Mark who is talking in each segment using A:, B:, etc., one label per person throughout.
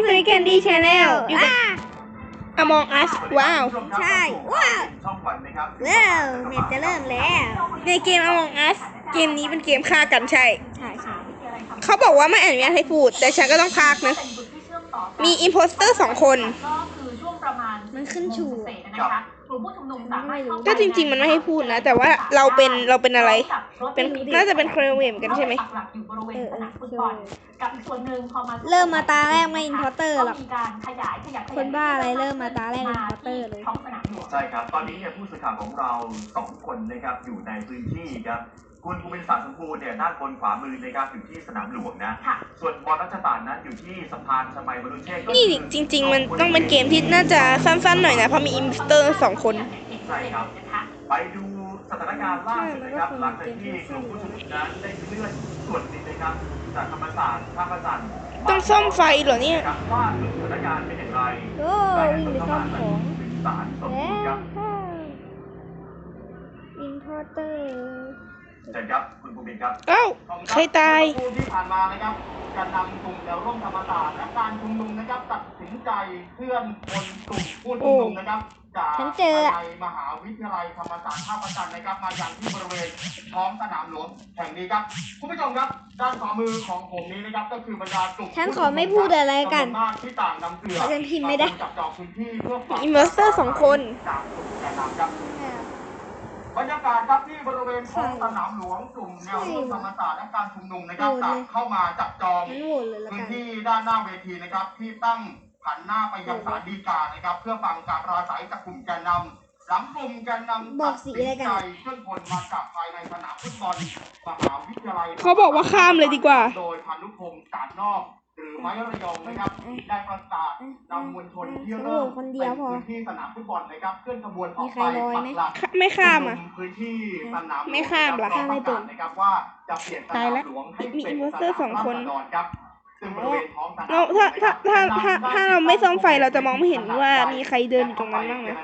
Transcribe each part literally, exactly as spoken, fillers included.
A: สู่แคนดี้ชาแนลอ่ะ
B: Among Us ว้าว
A: ใช่ว้าวว้าวเน็ตจะเริ่มแล้ว
B: ในเกม Among Us เกมนี้เป็นเกมฆ่ากันใช่
A: ใช่ใช่
B: เขาบอกว่าไม่อนุญาตให้พูดแต่ฉันก็ต้องพากนะมีอิมโพสเตอร์สองคน
A: มันขึ้นชู
B: ก็จริงๆมันไม่ให้พูดนะแต่ว่าเราเป็นเราเป็นอะไรเป็นน่าจะเป็นเครเวมกันใช่ไหม
A: เออเออเริ่มมาตาแรกไม่อินพอร์เตอร์หรอกคนบ้าอะไรเริ่มมาตาแรกอินพอร์เตอร์เลย
C: ใช่ครับตอนนี้เนี่ยผู้สื่อข่าวของเราสองคนนะครับอยู่ในพื้นที่ครับคุณภูมิศาสตร์สมบูรณ์เนี่ยด้านบนขวามือนะครับอยู่ที่สนามหลวงนะส่วนบอลรัชตานนั้นอยู่ที่สะพานชมัยมรุเชษฐ์
B: นี่จริงๆมันต้องเป็นเกมที่น่าจะสั้นๆหน่อยนะเพราะมีอิมโพสเตอร์สองคน
C: ใช่ครับไปดูสถานการณ์ล่าสุดนะครับหลังจากที่กลุ่มผู้ชุมนุมนั้นได้เคลื่อนส่วนหนึ่งนะครับจากธรรมศาสตร์ท่าพระจันทร์
B: ต้องซ่อมไฟเหรอเนี่ย
C: ว่าสถานการณ์เป็นอย่างไร
A: โอ้วิ่งไปซ่อมของ
C: สารสมบูรณ์ครับ
A: อินพอร์เตอร์
C: เชิญครับคุณภูมิครับ
B: เอ้าใครตาย
C: ที่ผ่านมานะครับการนำกลุ่มแนวร่วมธรรมศาสตร์และการชุมนุมนะครับตัดสินใจเคลื่อนคนกลุ่มผู้ชุมนุมนะครับจากในมหาวิทยาลัยธรรมศาสตร์ท่าพระจันทร์นะครับมาอย่างที่บริเวณท้องสนามหลวงแห่งนี้ครับคุณผู้ชมครับด้านขวามือของผมนี้นะครับก็คือบรรดากลุ่ม
A: ฉันขอไม่พูดอะไรกัน
C: ที่ต่างนำเสือ
A: ฉันพิมพ์ไม่ได้
C: จับจองพื้นที่เพื่อ
B: อิมเมอร์เซอร์สองคน
C: จากกลุ่มแกนนำครับบรรยากาศครับที่บริเวณท้องสนามหลวงกลุ่มแนวร่วมธรรมศาสตร์และการชุมนุมนะครับต่างเข้ามาจับจองพื้นที่ด้านหน้าเวทีนะครับที่ตั้งหันหน้าไปยังศาลฎีกานะครับเพื่อฟังการปราศรัยจากกลุ่มแกนนำหลังกลุ่มแกนนำตัดสินใจเคลื่อนพลมาจากภายในสนามฟุตบอลมหาวิทยาลัย
B: เขาบอกว่าข้ามเลยดีกว่า
C: โดยพานุพงศ์สารนอกหรือไม้ระยองนะครับได้ประกาศนำมวลชนที่เริ่ม
A: คนเดียวพอ
C: พื้นที่สนามฟุตบอลนะครับเคลื่อนขบวนออกไป
A: ปักหลัก
B: ไม่ข้ามอ่ะ
C: พื้นที่สนาม
B: ไม่ข้ามหรอ
A: ข้ามไม่เป็น
C: นะครับว่าจะเปลี่ยนสนามหลวงให้เป็นสนามราษฎรครับซึ่งบริเวณท้องสนาม
B: เราถ้าถ้าถ้าถ้าถ้าเราไม่ซ่อมไฟเราจะมองไม่เห็นว่ามีใครเดินอยู่ตรงนั้นบ้างนะ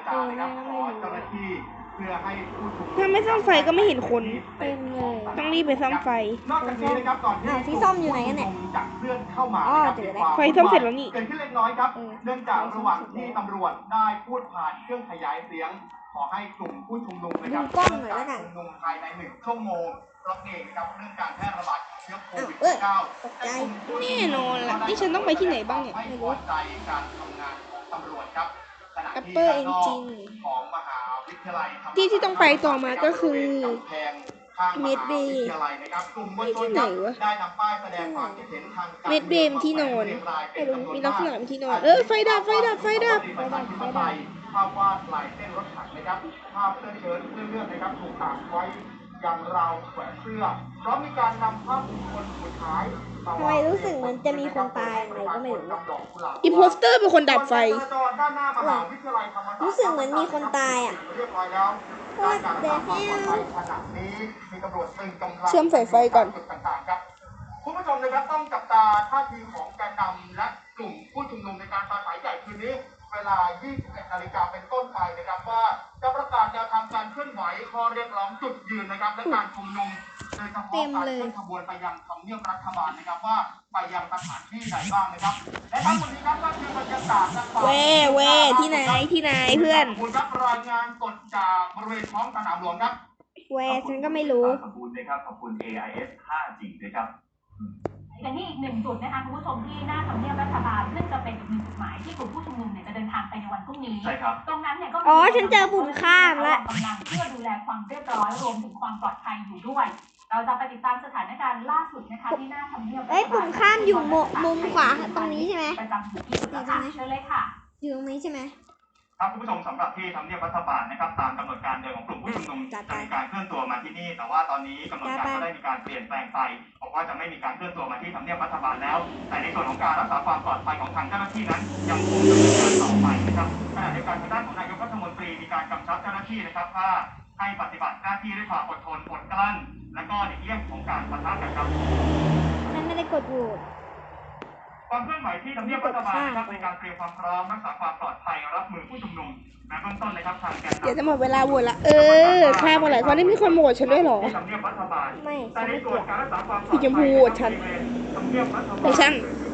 B: ถ้าไม่ซ่อมไฟก็ไม่เห็นคน
A: เต็มเลย
B: ต้องรีบไปซ่อมไฟ
C: นอกจากนี้นะครับก่อนที่
A: ที่ซ่อมอยู่ไหนกันเนี่ย
C: จะเคลื่อนเข้ามา
A: อ๋อเจอแล้ว
B: ไฟซ่อมเสร็จแล้วนี่
C: เกิดขึ้นเล็กน้อยครับเนื่องจากระหว่างที่ตำรวจได้พูดผ่านเครื่องขยายเสียงขอให้กลุ่มผู้ชุมนุมนะครับ
A: กล้องหน่อยแล้วกัน
C: ชุมนุมภายในหนึ่งชั่วโมงเพราะเองนะครับเรื่องการแพร่ระบาดเชื้อโควิด สิบเก้า
B: แน่นอนล่ะที่ฉันต้องไปที่ไหนบ้างเนี่ย
C: ไม่พอใจการทำงานของตำรวจครับ
B: แอปเปิลเอนจิน
C: ของมหาวิทยาลัย
B: ที่ที่ต้องไปต่อมาก็คือเมดเบย์ที่ไหนวะเมดเบย์ที่นอนมีลักษณะเป็นที่นอนเออไฟดับไฟดับไฟดับ
A: ไฟดับไฟดับ
C: ภาพวาดลายเส้นรถถังนะครับภาพเสื้อเชิ้ตเสื้อเลือดนะครับถูกตากไว้อย่างราวแขวนเสื้อเพราะมีการนำภาพบุคคลสุดท้าย
A: ทำไมรู้สึกเหมือนจะมีคนตายอะไรก็ไม่รู้
B: อิมโพสเตอร์เป็นคนดับไฟ
A: รู้สึกเหมือนมีคนตายอ่ะ
C: ว่าเด็ก
B: เชื่อมสายไฟก่อน
C: คุณผู้ชมนะครับต้องจับตาท่าทีของแกนนำและกลุ่มผู้ชุมนุมในการปราศัยใหญ่คืนนี้เวลา ยี่สิบเอ็ดนาฬิกา เป็นต้นไปนะครับว่าจะประกาศแนวทางการเคลื่อนไหวข้อเรียกร้องจุดยืนนะครับและการชุมนุมโดยเฉพาะการเคลื่อนขบวนไปยังทำเนียบรัฐบาลนะครับว่าไปยังสถานที่ไหนบ้างนะครับและทั้งหมดนี้ครับก็คือบรรยากาศ
B: เว่เว่ที่ไหนที่ไหนเพื่อน
C: คุณรับรายงานสดจากบริเวณท้องสนามหลวงครับ
A: เว่ฉันก็ไม่รู้
C: ขอบคุณนะครับขอบคุณ เอ ไอ เอส ห้าจี ด้วยครับ
D: อย่างนี้อีกหนึ่งจุดนะคะคุณผู้ชมที่หน้าทำเนียบรัฐบาลซึ่งจะเป็นอีกหนึ่งจุดหมายที่กลุ่มผู้ชุมนุมเนี่ยจะเดินทางไปในวันพรุ่งนี้
C: ใช่ครับ
D: ตรงนั้นเนี่ยก็
A: อ๋อฉันเจอปุ่มข้ามแล้ว
D: กำลังเพื่อดูแลความเรียบร้อยรวมถึงความปลอดภัยอยู่ด้วยเราจะไปติดตามสถานการณ์ล่าสุดนะคะที่หน้าทำเนียบรัฐบาล
A: เอ้ยปุ่มข้ามอยู่มุมขวาตรงนี้ใช่ไหม
D: ประจำอยู่ที่จุดแล้วค่ะเชิญเลยค่ะ
A: อยู่ตรงนี้ใช่ไหม
C: ครับคุณผู้ชมสำหรับที่ทำเนียบรัฐบาลนะครับตามกำหนดการเดิมของกลุ่มผู้ชุมนุมจะมีการเคลื่อนตัวมาที่นี่แต่ว่าตอนนี้กำหนดการก็ได้มีการเปลี่ยนแปลงไปบอกว่าจะไม่มีการเคลื่อนตัวมาที่ทำเนียบรัฐบาลแล้วแต่ในส่วนของการรักษาความปลอดภัยของทางเจ้าหน้าที่นั้นยังคงดำเนินการต่อไปนะครับขณะเดียวกันทางด้านของนายกรัฐมนตรีมีการกำชับเจ้าหน้าที่นะครับว่าให้ปฏิบัติหน้าที่ด้วยความอดทนอดกลั้นและก็ในเรื่องของการปะทะกันครับ
A: ฉันไม่ได้กดโหวต
C: ความเคลื่อนไหวที่ทำเนียบรัฐบาลนะครับในการเตรียมความพร้อมรักษาความปลอดภัยรับมือผู้ชุมนุมในเบื้องต้นนะครับทางแกนนำ
B: เดี๋ยวจะหมดเวลาโหวตละเออข้ามมาหลายคนนี่มีคนโหวตฉันด้วยหรอ
A: ไม่
C: แต่ในส่วนการรักษาความปลอดภัย
B: สีชมพูโหวตฉันแต่ฉัน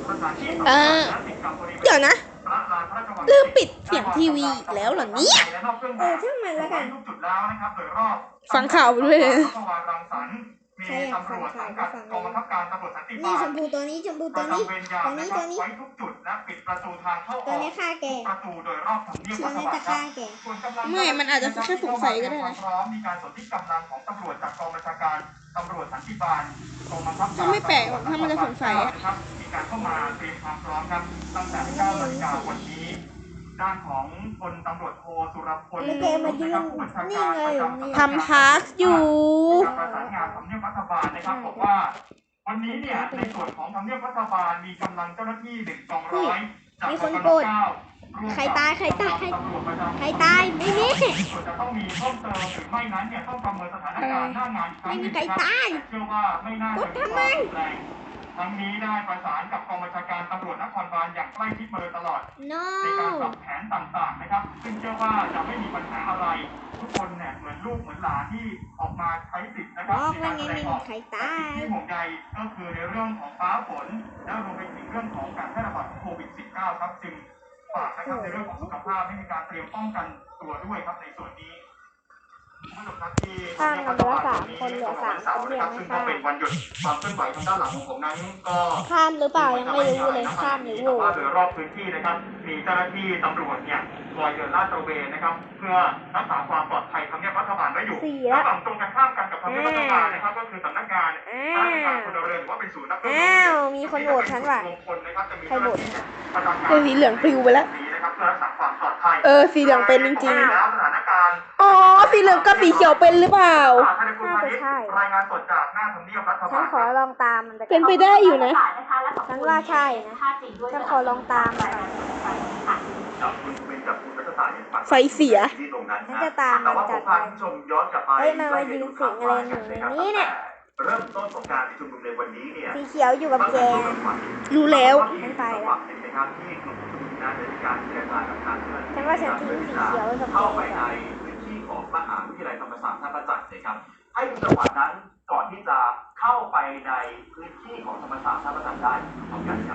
B: เออเดี๋ยวนะลืมปิดเสียงทีวีอีกแล้วเหรอเนี่ย
A: เออช่างมันแล้วกัน
B: ฟังข่าวไปด้วยเลย
A: ใครอยากฟังข่าวก็ฟังเลยนี่ชมพูตัวนี้ชมพูตัวนี้ตัวนี้ตัวนี้ตัวนี้ฆ่าแกชี้นี่จะฆ่าแก
B: ไม่มันอาจจะแค่สงสัยก็ได้นะ
C: มีการสนที่กำลังของตำรวจจากกองบัญชาการตำรวจสันติบาลกองบังคับการ
B: ก็ไม่แปลกหรอกถ้ามันจะสงสัยอะ
C: มีการเข้ามาเตรียมความพร้อมครับตั้งแต่เก้านาฬิกาวันนี้ด้านของพลตำรวจโทสุรพล
A: แล้วแกมายืนนี่ไงนี่
B: ทำพาร์คอยู่
C: การประสานงานทำเนียบรัฐบาลนะครับบอกว่าวันนี้เนี่ยในส่วนของทำเนียบรัฐบาลมีกำลังเจ้าหน้าที่หนึ่งกองร้อยจาก
A: มี
C: ก
A: ค
C: อง
A: น
C: บัง
A: โกร
C: คับ
A: ธ
C: เก้า
A: ใครตายใครตาย
C: ตำรวจประจำ
A: ใครตายไม่มี
C: ส่วนจะต้องมีเพิ่มเติมหรือไม่นั้นเนี่ยต้องประเมินสถานการณ์หน้างานอีกครั้งหนึ่ง
A: ไม่มีใครตาย
C: เชื่อว่าไม่น่าจะมีความรุนแรงทั้งนี้ได้ประสานกับกองบัญชาการตำรวจนครบาลอย่างใกล้ชิดมาโดยตลอด
A: no
C: ในการปรับแผนต่างๆนะครับซึ่งเชื่อว่าจะไม่มีปัญหาอะไรทุกคนเนี่ยเหมือนลูกเหมือนหลานที่ออกมาใช้สิทธิ์นะค
A: บ
C: รับ
A: อก
C: ใน
A: ว่า
C: การ
A: ไง
C: แสด
A: ไม่
C: งอ
A: มี
C: อก
A: ใครตาย
C: ที่ห่วงใยก็คือในเรื่องของฟ้าฝนและรวมไปถึงเรื่องของการแพร่ระบาดของโควิด สิบเก้า ครับจึงฝากนะครับในเรื่องของสุขภาพให้มีการเตรียมป้องกันตัวด้วยครับในส่วนนี้
A: ข้างกันไปแล้วสามคนเหลือสามคนที่ยังไม่
C: ซึ่ง
A: ข้า
C: ก็
A: ม
C: เป็นวันหยุดความเคลื่อนไหวทางด้านหลังของผมนั้นก็
A: ข้ามหรือเปล่ายังไม่รู้เลยข้ามหรือโหว
C: ว่า
A: ต
C: โดยรอบพื้นที่นะครับมีเจ้าหน้าที่ตำรวจเนี่ยคอยเดินลาดตระเวนนะครับเพื่อรักษาความปลอดภัยทำเนียบรัฐบาลไว้อยู่
A: สี่
C: และ
A: ละ
C: ฝั่งตรงกันข้ามกันกับทำเนียบรัฐบาลนะครับก็คือสำนักงาน
A: อ้า
C: ราชการ
A: ว
C: พลเรือนหรือว่าเป็นศูนย์รับเรื่อง
A: อ้าวมีคนโหวตฉันว่ะ
C: มงคลนะครับจะมี
A: ใครโหวต
C: ประจำการ
B: เออสีเหลืองปลิวไปแล้ว
C: นะครับเพื่อรักษาความปลอดภัย
B: เออสีเหลืองเป็นจริง
C: แล้วสถานการณ์
B: ๆ อ๋อสีเหลืองกับสีเขียวเป็นหรือเปล่า
A: น่าจะใช่
C: รายงานสดจากหน้าทำเนียบรัฐ
A: ฉั
C: บาน ล
A: ขอลองตามมันไป
B: เป็นไปได้อยู่นะ
A: ฉันว่าใช่นะฉันขอลองตามมัน
C: จากคุณเป็นจากคุณรัฐศาสตร์เนี่ย
B: ไฟเสีย
C: ที่ตรงนั้น
A: ฉัน
C: นะ
A: จะตาม
C: แต่
A: มัน
C: ว่าผ
A: จั
C: ม
A: ด
C: พา
A: ไป
C: คุณผู้ชมย้อนกลับไป
A: เฮ้ยมันมายืนสิงอะไรอยู่ในนี้เนี่ย
C: เริ่มต้นของการชุมนุมในวันนี้เนี่ย
A: สีเขียวอยู่กับแก
B: รู้แล้ว
A: ฉันไปละ
C: เห็นไหมครับที่กลุ่มผู้ชุมนุมนั้นได้มีการเจรจากับทางเจ้าหน้าที่
A: ฉันว่าฉันทิ้งสีเขียวไว้กับแก
C: เข้าไป
A: ก่
C: ใน
A: อน
C: พื้นที่ของมหาวิทยาลัยธรรมศาสตร์ท่าพระจันทร์นะครับให้ดูจังหวะนั้นก่อนที่จะเข้าไปในพื้นที่ของธรรมศาสตร์ท่าพระจันทร์ได้พร้อมกันครับ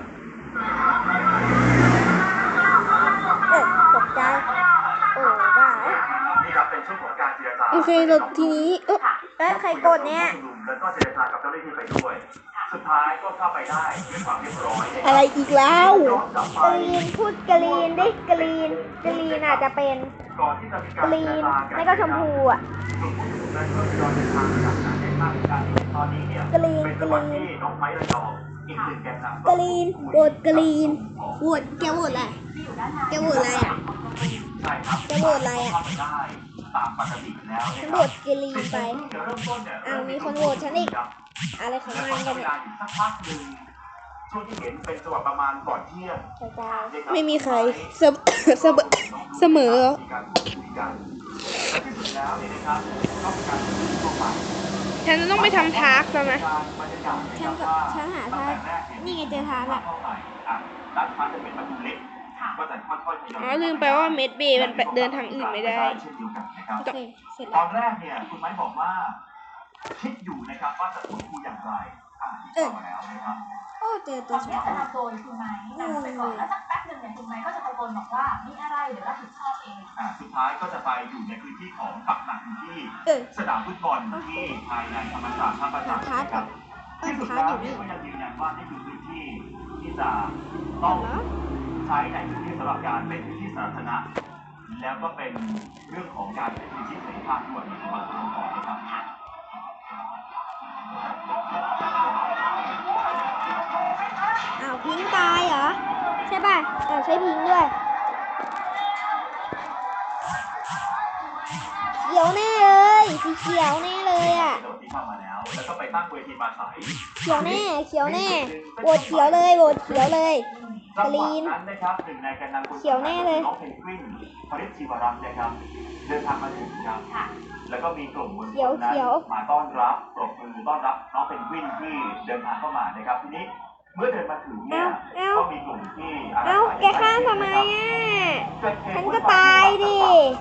A: เออตกใจโอ้ว่า
C: นี่ครับเป็นช่วงของการเจรจา
B: โอเคเราทีนี้เออ
A: เอ้ยใครกดเนี่ย
C: แล้วก็เจรจากับเจ้าหน้าที่ไปด้วย สุดท้ายก็เข้าไปได้ด้วยความเรียบร้อย
B: อะไรอีกแล้ว
C: ย้อนกลับไป
A: กรีนพูดกรีนดิกรีนกรีนอาจจะเป็น
C: ก่อนที่จะมีการ
A: กรีนไม่ก็ชมพูอ่ะ
C: กลุ่มผู้ชุมนุมนั้นก็ทยอยเดินทางจากหนาแน่นมากในการตอนนี้เนี่ย
A: กรีน
C: เป็นจังหวะที่น้องไม้ระยองอีกหนึ่งแกนนำ
A: กรีนโหวตกรีนโหวตแกโหวตอะไรแกโหวตอะไรอ่ะ
C: ใช่ครับ
A: จะโหวตอะไรอะ
C: เข้าไปได้ตามปกติแล้ว
A: ฉั
C: นะ
A: น
C: ค
A: โหว
C: รับ
A: ตกรีนไป
C: เดี๋ยวเริ่มต้นเนี่ย
A: อ้าวมีคนโหวตฉันอีก อะไรของ
C: แล้ว
A: มัน
C: ก็
A: กัน
C: เว
A: เนี่ย
C: ลาอยู่สักพักหนึ่งช่วงที่เห็นเป็นจังหวะประมาณก่อนเที่ยง
A: กระจาย
B: ไม่มีใครเสมเสมอเสมอเหรอ
C: มีการพูดคุยกันและที่สุดแล้วเนี่ยนะครับก็มีการพูดคุยทั่วไป
B: ฉันจะต้องไปทำทาร์กแล้วนะ
C: บรรยากาศ
A: ฉันก็ฉันหาทางนี่ไงเจอทางละ
C: เข้าไปอ่ะด้านซ้ายจะเป็นประตูเล็กก็จะค่อยๆทยอย
B: อ๋อลืมไปว่าเมดเบย์มันไปเดินทางอื่นไม่ได้
C: เช่นเดียวกันนะครับ
A: โอเคเสร็จ
C: ต
A: แล้
C: อ
A: วน
C: แรกเนี่ยคุณไม้บอกว่าคิดอยู่นะครับว่าจะพูดคุยอย่างไรอ่าที่เข้ามาแล้วนะครับ
A: โอ้เจอ
D: ต
A: ตัว
D: อน
A: ชม
D: นี้
A: พู
D: จะนำโดยคุณไม้นำไปก่อนแล้วสักแป๊บหนึ่งเนี่ยคุณไม้ก็จะตะโกนบอกว่ามีอะไรเดี๋ยวรับผิดชอบเอง
C: อ่าสุดท้ายก็จะไปอยู่ในพื้นที่ของปักหลักอยู่ที่
A: เออ
C: สนามฟุตบอลที่ภายในธรรมศาสตร์ท่าประจันทร์นะครับ
A: เออ
C: ที่สุด
A: ทาร์
C: แล้
A: ก
C: ว
A: อยู่
C: เนี่ย
A: นี่
C: ก็ยังยืนยันว่านี่คือพื้นที่ที่จะต้องใช้ในพื้นที่สำหรับการเป็นพื้นที่สาธารณะแล้วก็เป็นเรื่องของการเป็นพื้นที่เสรีภาพด้วยในสมัยก่อนนะครับ
A: อ้าวพิงค์ตายเหรอใช่ป่ะอ้าวใช่พิงค์ด้วยเขียวแน่เลยสีเขียวแน่เลยอ่ะ
C: ที่เข้ามาแล้วแล้วก็ไปตั้งเวทีมาใส
A: เขียวแน่เขียวแน่โหวตเขียวเลยโหวตเขียวเลย
C: จังหวะนั้นนะครับหนึ่งในแกนนำคน
A: เขียวแน่เลย
C: น้องเพนกวินพริชชีวรัตน์นะครับเดินทางมาถึงครับแล้วก็มีกลุ่มมวลชนนั้นมาต้อนรับปรบมือต้อนรับน้องเพนกวินที่เดินทางเข้ามานะครับทีนี้เมื่อเดินมาถึงเนี่ยก็มีกลุ่มที่
A: เอ้าแกข้ามทำไมอ่ะฉันก็ตายดิ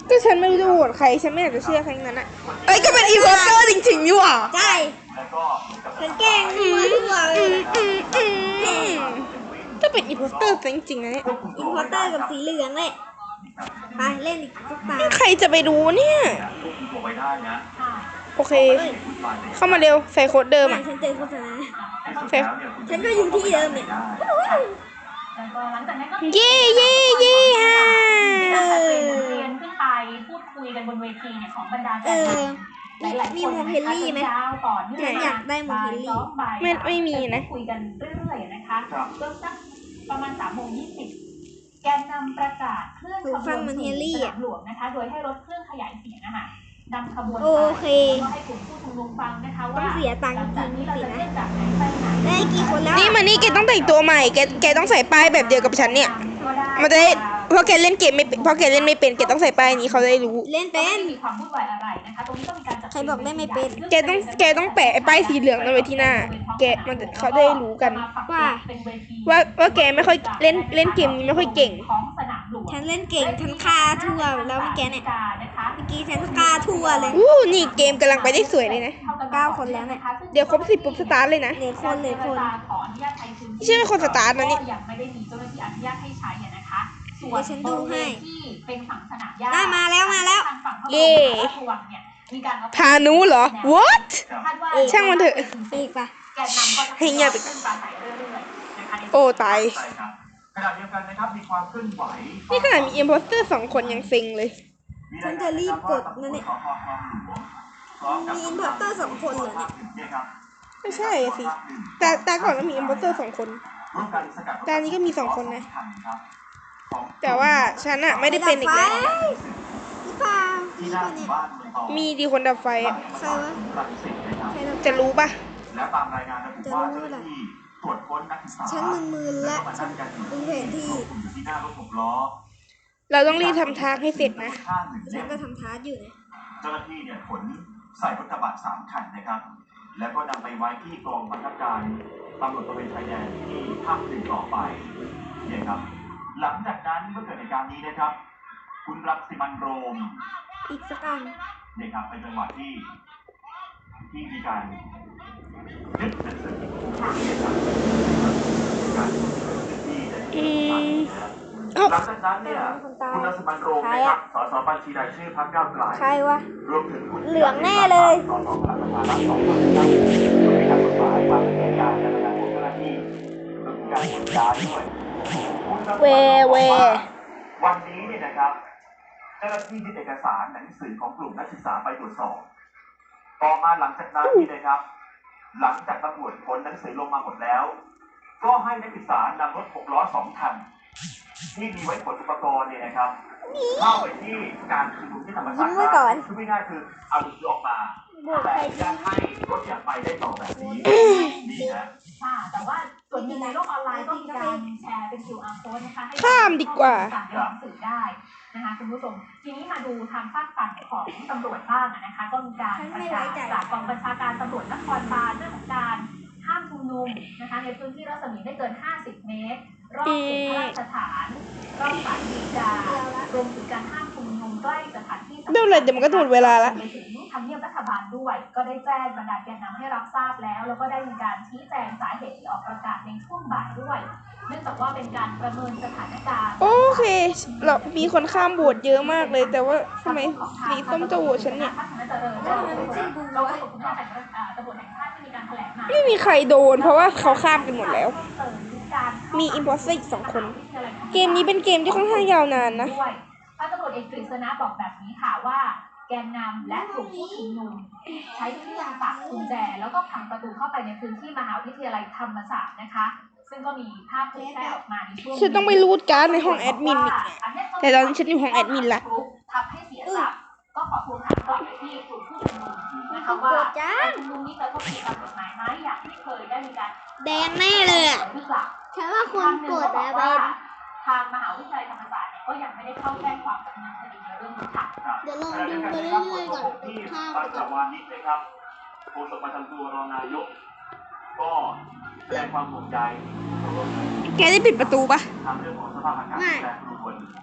B: ก็ฉันไม่รู้จะโหวตใครฉันไม่อยากจะเชื่อใครทั้งนั้นอะเอ้ยก็เป็นอีโวเตอร์จริงๆนี่หว่า
E: ใช่ฉันแกล้งมั่วทั่วเลย
B: อืมอืมอืมก็เป็นอีโวเตอร์จริงๆนะเนี่ย
E: อินพอร์เตอร์กับสีเหลืองเลยไปเล่นอีกสักตา
B: ใครจะไปรู้เนี่ย
C: ควบคุมตัวไว้ได้นะ
B: โอเค เข้ามาเร็วใส่โค้ดเดิม
E: แม่
B: อ่ะ
E: ฉันเจอโฆษณา
B: ใส่
E: ฉันก็อยู่ที่เดิมเนี่ย
D: แล้วก็หลังจากนั้นก็
B: เย่เย่เย่ฮ่า
D: มีการจัดเตรียมบทเรียนขึ้นไปพูดคุยกันบนเวทีเนี่ยของบรรดาแกนนำหลายๆคน
E: มีโมเฮลลี่ไหม
D: ยาวต่อเนื่อง
E: ฉันอยากได้โมเฮลลี่
B: ไม่ไม่มีนะ
D: คุยกันเรื่อยๆนะคะจนสักประมาณสามโมงยี่สิบแกนนำประกาศเคลื่อนขบวนสู่สนามหลวงนะคะ โดยให้รถเครื่องขยายเสียงนะคะนำขบวน
E: โอเค
D: แล้วก็ให้กลุ่มผู้ชุมนุมฟังนะคะ
E: ต้
D: ว่า
E: องเสียตังค์
D: หลัง
E: จ
D: จา
E: ริ
D: ก
E: ง
D: นี้เรา
E: สิ
D: จะ
E: นะ
D: เลื่อนจากไหนไปไหน
E: ได้กี่คนแล้ว
B: นี่มานี่แกต้องแต่งตัวใหม่แกแกต้องใส่ป้ายแบบเดียวกับฉันเนี่ย มันจะได้เพราะแกเล่นเกมไม่เป็นเพราะแกเล่นไม่เป็นแกต้องใส่ป้ายนี้เขาจะได้รู้
E: เล่นเป็น
D: มีความวุ่นวายอะไรนะคะตรงนี้ก็มีการจัด
E: ใครบอกเล่นไม่เป็น
B: แกต้องแกต้องแปะไอ้ป้ายสีเหลืองนั่นไว้ที่หน้า แกมันจะเขาจะได้รู้กัน
E: ว่า
B: ว่าว่าแกไม่ค่อยเล่นเล่นเกมนี้ไม่ค่อยเก่ง
D: ของสนามหลวง
E: ฉันเล่นเก่งฉันฆ่าทั่วแล้วเมื่อกี้เนี่ย
D: นะคะ
E: เมื่อกี้ฉันฆ่าทั่วเลย
B: อู้นี่เกมกำลังไปได้สวยเลยนะ
E: เก้าคนแล้วเนี่ย
B: เดี๋ยวครบสิบปุ๊บสตาร์ทเลยนะ
E: เหลือคนเหลือคน
D: ขออนุญาตใช้พื้นที่
B: ไม่ใช่เป็นคนสตาร์ทนะนี่
D: ก็ยังไม่ได้มีเจ้าหน้าที่อนุญาตให้ใช้อะนะคะส่ว
E: เดี๋ยวฉันดูให้
D: บริเวณที่เป็นฝั่งสนามหญ้า
E: ได้มาแล้วมาแล้ว
D: ทางฝั่งพระบรม
B: เย่
D: ราชวังเนี่ยมีการเอา
B: พานุเหรอ what
D: คาดว่า
B: ช่างมันเถอะ
E: ไปอีกปะ
D: แกนนำก็จะ
B: ให้เงียบ
D: ขึ้นปราศัยเรื่อยๆนะคะใน
B: โอ้ตาย
C: ใช่ครับขณะเดียวกันนะครับมีความเคลื่อนไหว
B: นี่ขนาดมีอิมโพสเตอร์สองคนยังเซ็งเลย
E: ฉันจะรีบกดนะเนี่ย มีอินพอร์เตอร์สองคนเหรอเนี่ย
B: ไม่ใช่อะสิ แต่แต่ก่อนก็มีอิมโพสเตอร์สองคน แต่อันนี้ก็มีสองคนนะ แต่ว่าฉันอะไม่ได้เป็นอีกแล้ว
E: หรือเปล่านี่ปะเนี่ย
B: มีดีคนดับไฟอะ
E: ใครวะใครเรา
B: จะรู้ปะ
C: และตามรายงานระบุว่าเจ้าหน้าที่ตรวจค้นนักศึกษา
E: ฉันมึนๆและฉันดูแผนที่
C: อยู่ที่หน้ารถหกล้อ
B: เราต้องรีบทำทางให้เสร็จนะ
C: ข้างหนึ่ง
E: ฉั
C: เล่
E: น
C: ม
E: ก็ทำทาร์อยู่นะ
C: เจ้าหน้าที่เนี่ยขนใส่รถกระบะสามคันนะครับ แล้วก็นำไปไว้ที่กองบังคับการตำรวจตระเวนชายแดนที่ภาคหนึ่งต่อไปเนี่ยครับ หลังจากนั้นเมื่อเกิดเหตุการณ์นี้นะครับ คุณรังสิมันต์โรม
E: อีกสักอัน
C: เนี่ยครับเป็นจังหวะที่ที่มีการยึดหนังสือเนี่ยครับการที่ได้
B: อืม
C: หลังจากนั้นเนี่ยคุณรังสิมันต์โรมนะครับสสบัญชีรายชื่อพรรคก้าวไกล
E: ใครวะ
C: รวมถึงคุณ
E: เหลืองแน่เลย
C: สสพลังประชารัฐสองคนนะครับมีการกฎหมายความเป็นการการทำงานของเจ้าหน้าที่รวมถึงการกดย้ายด้วย
B: เวเว
C: วันนี้เนี่ยนะครับเจ้าหน้าที่ยึดเอกสารหนังสือของกลุ่มนักศึกษาไปตรวจสอบต่อมาหลังจากนั้นนี่นะครับ หลังจากตำรวจขนหนังสือลงมาหมดแล้ว ก็ให้นักศึกษานำรถหกล้อสองคันที่มีไว้ขนอุปกรณ์เนี่ยนะครับเข้าไปที่การชุมนุมที่ธรรมศาสต
E: ยิ้ม
C: ร์
E: ไว้ก่อน
C: คือไม่ง่ายคือเอาหนังสือออกมา
E: บวก
C: แต่
E: ใคร
C: ยังให้รถเนี่ยไปได้ต่อแบบนี้นี่นะ
D: ค่ะแต่ว่าส่วนหนึ่งในโลกออนไลน์ก็มีการแชร์เป็น คิว อาร์ code นะคะให้
B: ข้ามดีกว่า
D: สั่งในหนังสือได้นะคะคุณผู้ชมทีนี้มาดูทางฝากฝั่งของตำรวจบ้างอะนะคะ ก็มีการประกาศจากกองบัญชาการตำรวจนครบาลเรื่องของการห้ามชุมนุมนะคะในพื้นที่รัศมีไม่เกินห้าสิบเมตร รอบเขตพระราชฐานรอบศาลฎีการวมถึงการห้ามชุมนุมใกล้สถานที่
B: เดี๋ยวเลยเดี๋ยวมันก็หมดเวลาละ
D: ไปถึงทำเนียบรัฐบาลด้วย ก็ได้แจ้งบรรดาแกนนำให้รับทราบแล้ว แล้วก็ได้มีการชี้แจงสาเหตุที่ออกประกาศในช่วงบ่ายด้วย เนื่องจากว่าเป็นการประเมินสถานการณ์
B: โอเค เรามีคนข้ามโหวตเยอะมากเลย แต่ว่าทำไมสีส้มจะโหวตฉันเนี่ย
D: เราก็ผมว่าตำรวจแห่งชาติที่มีการแถลงมา
B: ไม่มีใครโดน เพราะว่าเขาข้ามกันหมดแล้ว มีอิมพอสเตอร์อีกสองคน เกมนี้เป็นเกมที่ค่อนข้างยาวนานนะ
D: ด้วยพันตำรวจเอกกฤษณะบอกแบบนี้ค่ะว่า แกนนำและกลุ่มผู้ชุมนุมใช้เครื่องตัดกุญแจแล้วก็พังประตูเข้าไปในพื้นที่มหาวิทยาลัยธรรมศาสตร์นะคะ ซึ่งก็มีภาพเผยแพร่ออกมาในช่วง
B: ฉันต้องไปรูดการ์ดในห้องแอดมินอีก แต่ตอนนี้ฉันอยู่ห้องแอดมินละ
D: ทำให้เสียทรัพย์ก็ขอทวงถามกลับไปที่กลุ่มผู้ชุมนุมนะคะว่าการชุมนุมนี้กระทบต่อกฎหมายไหมอย่างที่เคยได้มีการ
E: แดงแน่เลยอ่ะ
D: หรือเปล่า
E: ฉันว่าคุณกดแล้วไป
D: ทางมหาวิทยาลัยธรรมศาสตร์เนี่ยก็ยังไม่ได้เข้าแจ้งความดำเนินคดีในเรื่องนี้ค่ะ
E: เดี๋ยวลองดูไปเรื่อยๆก่อน
C: ที่
E: ข้าม
C: ปั
E: ไป
C: ญจ
E: ก่อน
C: วานิชนะครับโฆษกประจำตัวรองนายก ก็แสดงความห่วงใย
B: แกได้ปิดประตูปะ
C: ทางเรื่องของสภาพอากาศแปรปรวน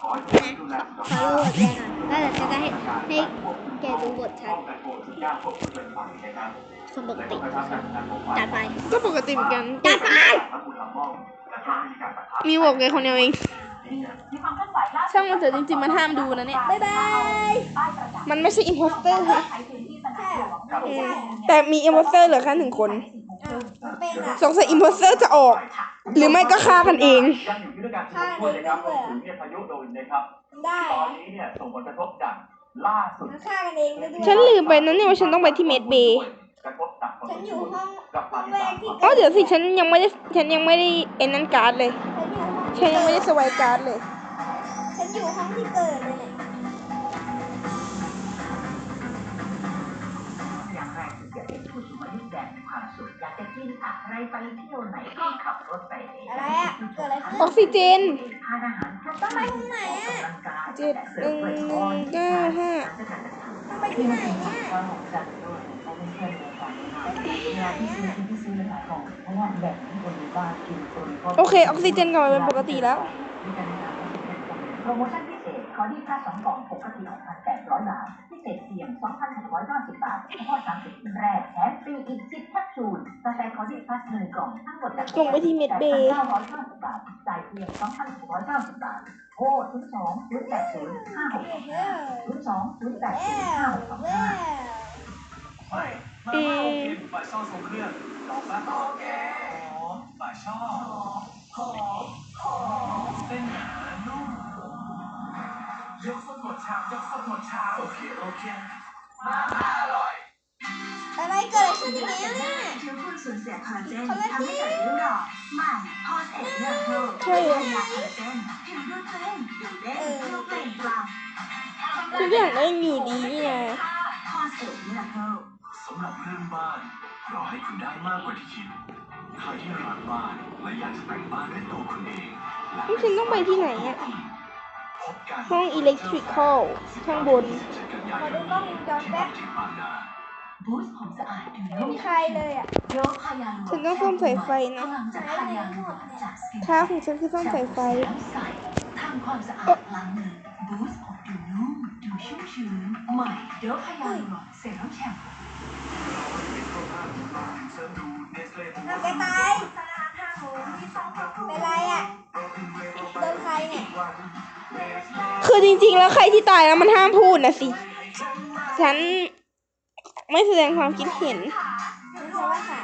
E: ขอให้ดูแลสุข
B: ขอ
E: ภา
B: ดู
E: พ
B: บทแกหน่อยแล้วเดี๋ยวจะได้ให้ให้แกดูบทชัด
E: ป้องกันโรคทุกอย่างควบคุมเดินไปนะครับ
B: คนปก
E: และ
B: ติ
E: ก็กระชับการทำงานของฝ่าย
B: จัดไป
C: ก็ปกติเหมือนกัน
B: จัดไป
E: ทั้งมูลลำม่อมและก็มีการปะทะ
C: มีบอกแกคนเดียวเอง
D: มีความเคลื่อนไหวล่าสุด
C: ช่างมันเถอะจริงๆมันห้ามดูนะเนี่ย
B: บ๊ายบาย
D: ป้ายประกาศ
C: มันไม่ใช่อิมโพสเตอร์ค่ะ
D: ใช้พื้นที่สนามหลวง
B: เออ
C: แต่มีอิมโพสเตอร์เหลือแค่หนึ่งคน
B: อ้าวมันเป็นอะ
C: สงสัยอิมโพสเตอร์จะออก หรือไม่ก็ฆ่ากันเอง
E: ยังอยู่ที่ด้วยการชุมนุมนะครับรวมถึงเนี่ยพายุโดนนะครับ
B: ได้
E: ตอนนี้เนี่ยส่งผลกระทบอย่างล่าสุด
B: มันฆ่ากันเองได้ด้วย
C: ฉันลืมไปนะเนี่ยว่าฉันต้องไปที่เมดเบย์
E: กระทบหนักพอส
B: ฉั
E: ม
B: นอ
E: ค
B: ยู่
E: วร
B: ห้อง
E: กับ
B: ห้
E: ปา
B: อง
E: ฏิ
B: แร
E: หาก ร
B: ที่
E: ย์
C: อ๋อเดี๋ยวสิฉันยังไม่ได้ฉันยังไม่ได้เอ็นนั้นการ์ดเลย
B: ฉันอยู่ห้อง
C: ฉันยังไม่ได้สวายการ์ดเลย
B: ฉันอยู่ห้องที่เกิดเลยเนี่ย
F: อย่างแรกคืออยากเป็นผู้สูงอายุแบบมีความสุขอยากจะกินอะไรไปเที่ยวไหนก็ขับรถไปเอง
B: อะไรอะเกิดอะไรขึ้น
C: ออกซิเจน
F: ทานอาหารครบ
B: ต้องไปห้องไหนอะ
F: กำลังกาย
C: เจ็ดหนึ่งหนึ่งเก้าห้า
B: ต้องไปที่ไหนเนี่ย
F: ความของจัดด้วยเขาเป็นเพื่อนเดียวกันเวลาที่ซื้อกินที่ซื้อเลยขายของเพราะว่าแบบที่คนในบ้านกินคนก็
C: โอเคออกซิเจนกลับมาเป็นปกติแล้ว
F: โปรโมชั่นพิเศษคอร์ดี้ค่าสองกล่องปกติ หกพันแปดร้อย บาทพิเศษเพียง สองพันหกร้อยเก้าสิบ บาทเฉพาะสามสิบแรกแถมฟรีอีกสิบแคปซูลกาแฟคอร์ดี้พลัสหนึ่งกล่องทั้งหมดจาก
C: ลงไปที่เมดเบย์
F: แปดพันเก้าร้อยเก้าสิบ บาทจ่ายเพียง สองพันหกร้อยเก้าสิบ บาทโทรศูนย์ สอง ศูนย์ แปด ศูนย์ ห้า หก
B: เย้
F: ศูนย์ สอง ศูนย์ แปด ศูนย์
B: แล้
F: ห้าว หกสอง
B: แล้
F: ห้า
B: ว
E: มาม่าโอเคฝ่ายช่อทรงเครื่องลองมาต่อแกหอมฝ่ายช่อหอมหอมเส้นหนานุ่มยกสดหมดชามยกสดหมดชามโอเคโอเคมาม่าอร่อย
B: อะไรเกิดอะไรขึ้นอีกแล้วเนี่ย
G: ผิวคุณสูญเสียคอลลาเจนทำให้เกิดริ้วรอยใหม่พอสเอ็ดเลือดโล
C: ใช่เหรอ
G: ยาคอลลาเจนผิวดูเต้นดูเด้งดูเปล่งปลั่ง
C: ทุกอย่างก็ยังอยู่ดีนี่ไง
G: พอสเอ็ดเลือดโล
E: สำหรับเรื่องบ้านรอให้คุณได้มากกว่าที่คิดใครที่รักบ้านและอยากจะแต่งบ้านด้วยตัวคุณเองและ
C: นี่ฉันต้องไปที่ไหนอะ
E: พบกัน
C: ห้องอิเล็กทริคอลข้างบน
B: ขอดูกล้องวงจรแป๊บ
E: ที่บางนา
G: บูสต์ผมสะอาดดู
B: ไม่
G: นุ่ม
B: มีใครเลยอ่ะ
G: โรคพยาลู
C: ฉันต้องซ่อมสายไฟนะ
G: กำลังจะพยาลูจากสกิน
C: ท้าของฉันคือซ่อมสายไฟ
G: ใสทำความสะอาดล้างมือบูสต์ผมดูนุ่มดูชุ่มชื้นใหม่โดพยาลูเซรั่มแชมพู
B: เอาแกตายเป็นไรอ่ะโดนใครเนี่ย
C: คือจริงๆ แล้วใครที่ตายแล้วมันห้ามพูดนะสิ ฉันไม่แสดงความคิดเห็น
B: ฉันว่าค่ะ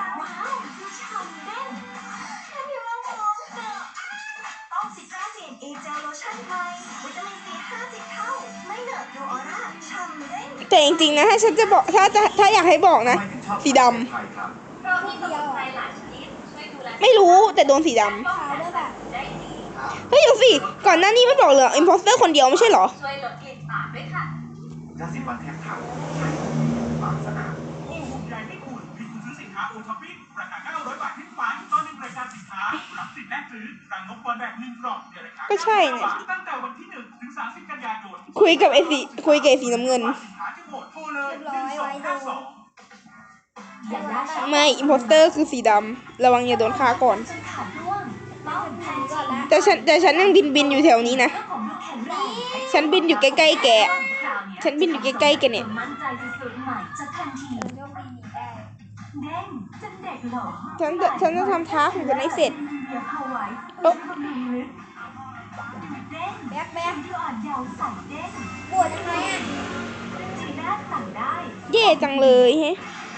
G: ต้องสิตราเซียนเอเจลโลชั่นใหม่วิตามินซีห้าสิบเท่าไม่เหนอะดูออร่าฉ่ำเด้ง
C: แต่จริงๆ นะ ถ้าฉันจะบอกถ้าจะถ้าอยากให้บอกนะ สีดำ
D: เรามีสมุนไพรหลายชนิดช่วยดูแล
C: ไม่รู้แต่โดนสีด
B: ขาวด้วยแบบ
D: ได้ดี
C: ำเฮ้ยเดี๋ยวสิ ก่อนหน้านี้ไม่บอกเลยอิมโพสเตอร์คนเดียวไม่ใช่เหรอ
D: ช่วยลดกลิ่นปากด้วยค่ะ
E: ยาสีฟันแทบขาดปากสะอาดโอ้ผมใหญ่ไม่คุณมีคุณซื้อสินค้าโอท็อปปิ้งราคาเก้าร้อยบาทขึ้นไปตอนหนึ่งรายการสินค้ารับสิทธิ์แลกซื้อรังนกบอลแบบหนึ่งกล่องในราคา
C: ก็ใช่เนี่ย
E: ตั้งแต่วันที่หนึ่งถึงสามสิบกันยายน
C: คุยกับไอ้สีคุยกับไอ้สีน้ำเงิน
E: สินค้าที่หมดโทรเลยหนึ่งสองห้าสอง
G: อย่าได้
C: ไม่อิมโพสเตอร์คือสีดำระวังอย่าโดนฆ่าก่อน
G: จนขาดร่วงต้องแพน
B: ก่อนละ
C: แต่ฉันแต่ฉันยังบินบินอยู่แถวนี้นะ
G: เจ้าของดูแข็งแรง
C: ฉันบินอยู่ใกล้ๆแก ฉันบินอยู่ใกล้ๆแกเนี่ย
G: มั่นใจสุดๆใหม่จะทันที
B: โชคดีหนีได้
G: เด้งจะเด็กเหรอ
C: ฉันจะฉันจะทำท้าของฉันให้เสร็จ
G: เดี๋ยวเอาไว้
C: เอ๊ะ
G: บำรุงลึกเด้ง
B: แบ๊กแบ๊ก
G: ดูอ่อนเยาว์ใส่เด้ง
B: ปวดยังไงอ่ะ
G: จีน่าสั่งได้
C: เย่จังเลยเฮ้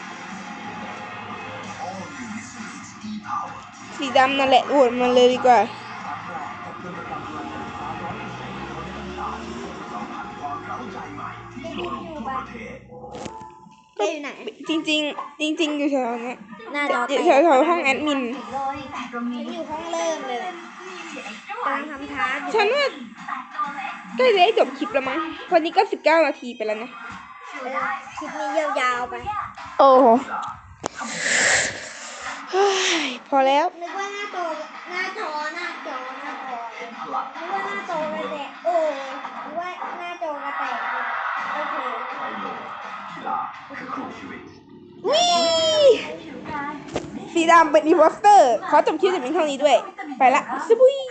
C: สีดำนั่นแหละโหวตมันเลยดีกว่า
B: แกอยู่ไหน
C: จริงๆ จริง ๆ อยู่แถวเนี้ย
B: หน้าจอแตก
C: แถวแถวห้องแอดมิน
G: เลยแต่ตรง
B: ฉั
G: นี้
B: นอยู่ห้องเริ่มเลยแหละกำลังทำท้าอยู่
C: ฉันว่าใกล้จะได้จบคลิปแล้วมั้งวันนี้ก็สิบเก้านาทีไปแล้วนะ
B: เออคลิปนี้ยาวๆไป
C: โอ้โหเฮ้ยพอแล้ว
B: นึกว่าหน้าโตหน้าจอหน้าจอหน้าจอนึกว่าหน้าโตกระแตกโอ้นึกว่าหน้าจอกระแตกโอเค
C: วิสีดำเป็นอีโพสเตอร์ ขอจบคลิปแต่เพียงเท่านี้ด้วย ไปละสบุย